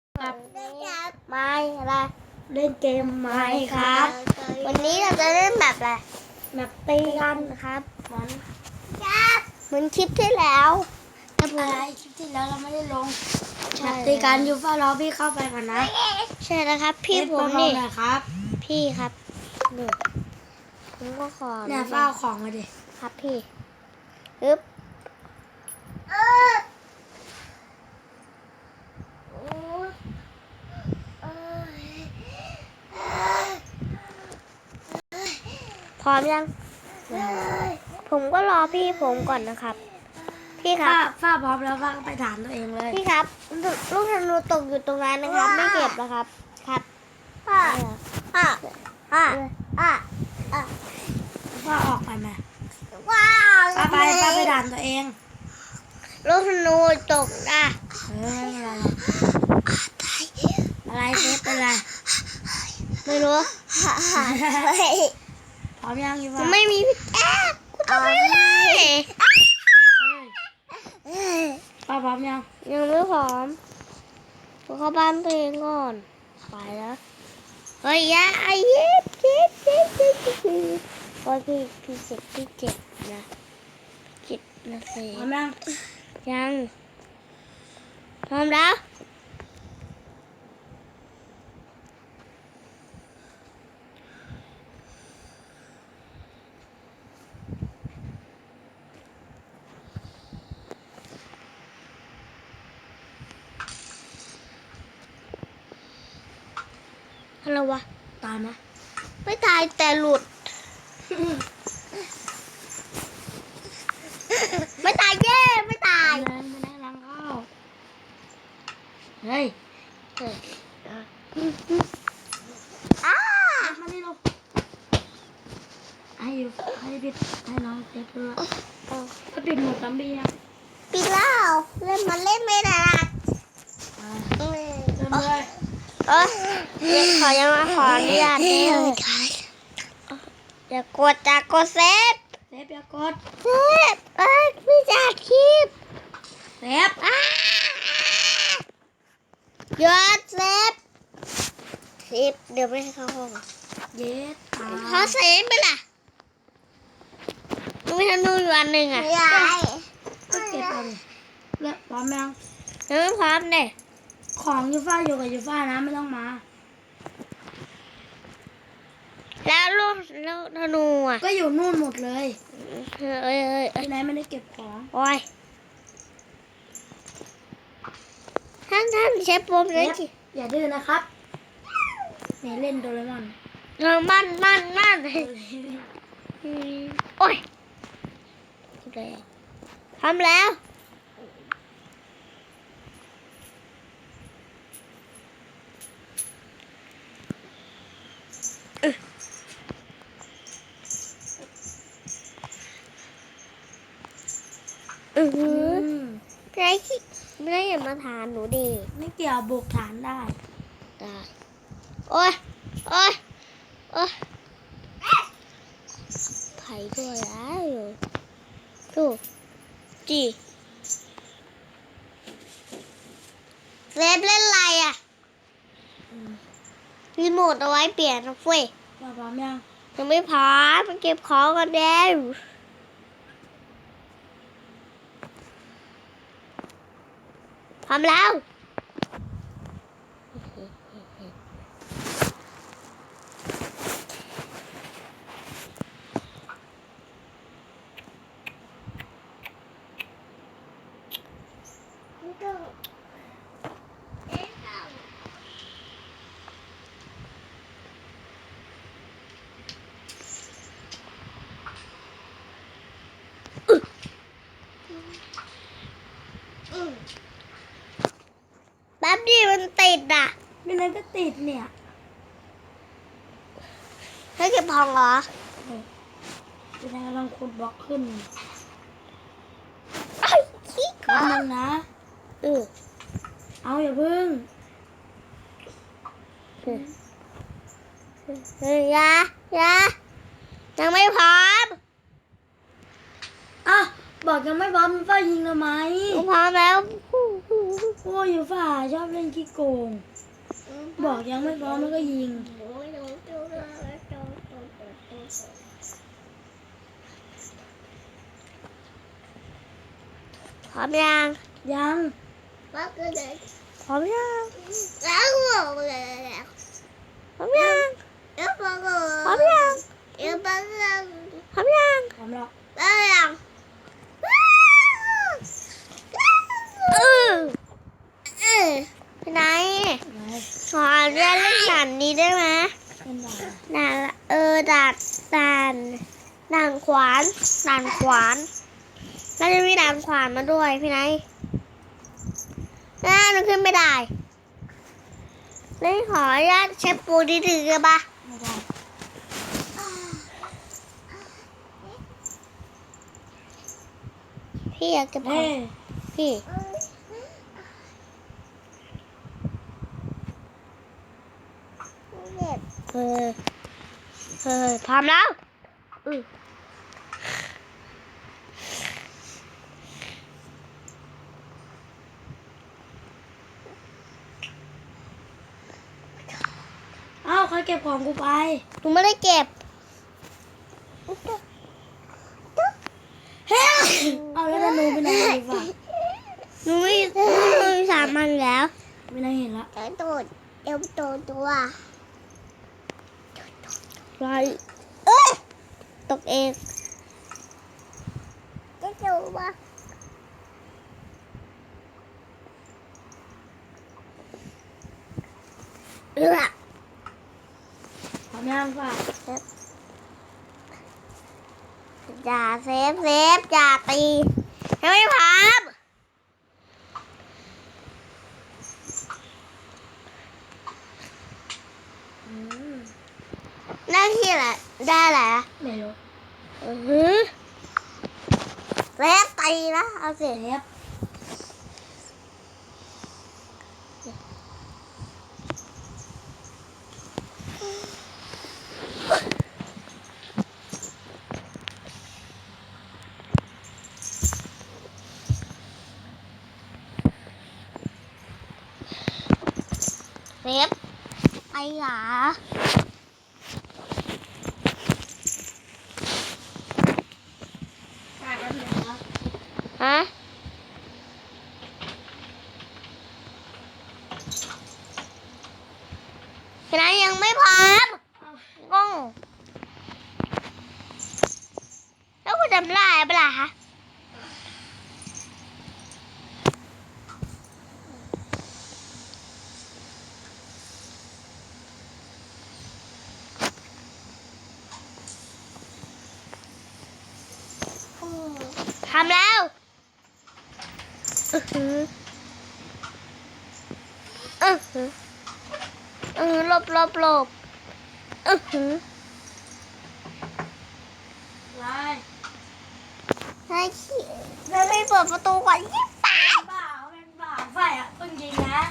ครับไม่อะไรเล่นเกมไหมครับวันนี้เราจะเล่นแบบอะไรแบบตีกันครับเหมือนเหมือนคลิปที่แล้วแต่ผมอะไรคลิปที่แล้วเราไม่ได้ลงใช่แบบตีกันอยู่ฝ้ารอพี่เข้าไปก่อนนะใช่แล้วครับ พี่ผมเล่นี่เบาๆหน่อยครับพี่ครับนี่ผมก็ขอเนี่ยฝ้าเอาของมาดิครับพี่อึ๊บพร้อมยัง ผมก็รอพี่ผมก่อนนะครับ พี่ครัฝ้าบพร้อมแล้วฝ้าก็ไปถามตัวเองเลยพี่ครับลูกธนูตกอยู่ตรงนั้นนะครับ ไม่เก็บนะครับครับพ่อพ่อพ่อพ่อฝ้าออกไปไหมว้าวฝ้าไปถามตัวเองลูกธนูตกนะไม่เป็นไรอะไรเซฟเป็นไรไม่รู้พร้อมยังอยู่มัฝ้านไม่มีพี่แอ๊ะกูทำไม่ได้ฝ้าพร้อมยังยังไม่พร้อมกูเข้าบ้านตัวเองก่อนไปแล้วเฮ้ยยาไอ้เย็บโอ้ยพี่เจ็บนะเจ็บนะสิพร้อมยังยังพร้อมแล้วอะไรวะตายไหมไม่ตายแต่หลุด ไม่ตายเย้ไม่ตายไม่ได้ล้างข้าวเฮ้ยอ้ามาดิลูกให้ปิดให้น้องเซฟด้วยก็ปิดหมดซัมบี้ยังปีแล้วเล่นมาเล่นไม่ได้ละเริ่มเลยยังขออนุญาตอย่ากดเซฟเซฟอย่ากดเซฟพี่จะคลิปเซฟหยุดเซฟเดี๋ยวไม่ให้เข้าห้องเย็ดตาเขาเซฟไปล่ะไม่ทำนู่นอยู่อันหนึ่งอ่ะก็เก็บเอาดิเลิกพร้อมยังยังไม่พร้อมเลยของยูฟ่าอยู่กับยูฟ่านะไม่ต้องมาแล้วลูกธนูอ่ะก็อยู่นู่นหมดเลยเอ้ยที่ไหนไม่ได้เก็บของโอ้ยท่านใช้ปมเลยสิอย่าดื้อนะครับเนี่ยเล่นโดเรมอนมันโอ้ยทำแล้วไม่ได้อย่ามาถามหนูดิไม่เกี่ยวบุกฐานได้ได้โอ้ยไผ่ด้วยแล้วดูจีเซฟเล่นอะไรอ่ะรีโมทเอาไว้เปลี่ยนนะเฟ้ยพร้อมยังยังไม่พร้อมมันเก็บของกันแล้วพร้อมแล้วแป๊บดิมันติดอ่ะไม่นั้นก็ติดเนี่ยให้เก็บของเหรอจะได้กำลังขุดบล็อกขึ้นไอ้ขี้แป๊บนึงนะ เอาอย่าพึ่งยายังไม่พร้อมอ่ะบอกยังไม่พร้อมฝ้ายิงทำไมพร้อมแล้วโอ้ยอยู่ฝ่าชอบเล่นขี้โกง บอกยังไม่พร้อมแล้วก็ยิงพร้อมยังยังพร้อมยังพร้อมยังพร้อมยังพร้อมยังพร้อมแล้วพี่นายไหนขอเรียนเล่นด่านนี้ได้ไหมเป็นด่านด่านละด่านขวานแล้วจะมีด่านขวานมาด้วยพี่นายหนูขึ้นไม่ได้เลยขออนุญาตเช็คปูดีถือกันปะไม่ได้พี่อยากจะพอเฮ้ยพี่พร้อมแล้วเอ้าใครเก็บของกูไปหนูไม่ได้เก็บเฮ้ยเอาแล้วจะนูไปไหนดีฝ่าหนูไม่สามันแล้วไม่ได้เห็นละตัวไรตกเองจะดูปะพร้อมยังฝ่าอย่าเซฟอย่าตีให้ไม่พร้อมได้ที่แหละได้แหละไม่รู้เซฟตีนะเอาสิเซฟเซฟไอ้หลาฮะพี่นายยังไม่พร้อมงงแล้วคุณจำได้ปะล่ะคะทำแล้วหลบไรให้ขี้แล้วไม่เปิดประตูก่อนยิ่งตายบ้าเป็นบ้าฝ่ายอ่ะเพิ่งยิงนะ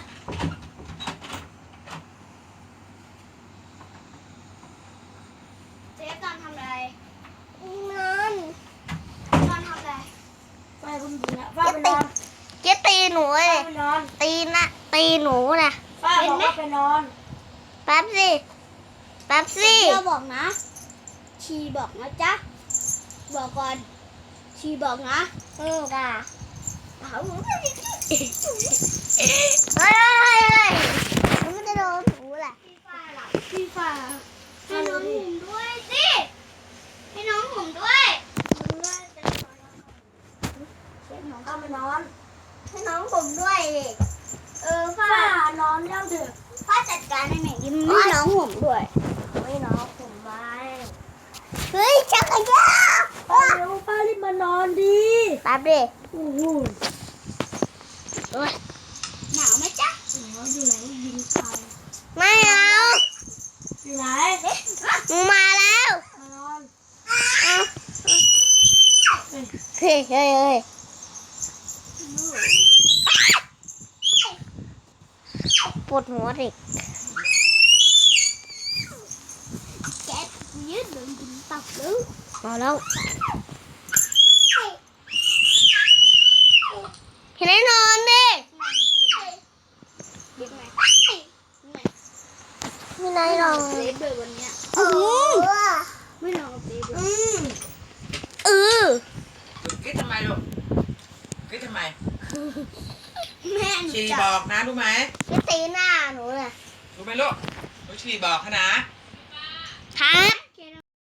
เจ๊ตอนทำอะไรนอนทำอะไรฝ่ายเพิ่งยิงอ่ะฝ่ายไปนอนเจ๊ตีหนูเลฝ่ายยไปนอนตีหนูนะฝ่ายบอกว่าไปนอนแป๊บสิเดี๋ยวบอกนะชีบอกนะจ๊ะ บอกก่อน ชีบอกนะจ้าเอาเฮ้ยหนูจะโดนหนูแหละพี่ฝ่ายให้น้องผมด้วยสิ ให้น้องผมด้วยเข้าไปนอนให้น้องผมด้วยดิฝ่านอนยังเถอะพ่อจัดการให้หน่อยดิให้น้องผมด้วยไม่น้องผมไม่เฮ้ยจักรยานป้าเร็วป้ารีบมานอนดีแป๊บดิโอ้โหหนาวไหมจ๊ะหนาวอยู่ไหนยิงใครไม่เอาอยู่ไหนหนูมาแล้วมานอนเฮ้ยปวดหัวดิแกยืดโดนกินตับหรือมาแล้วเห็นไหมนอนดิบิ๊กไหมไม่ได้นอนเซฟเลยวันเนี้ยไม่นอนกับเซฟเลยคิดทำไมลูกคิดทำไมแม่หนูชีจับอกนะรู้ไหมไม่ตีหน้าหนูเลยรู้ไหมลูกลูกชีบอกเขานะครับ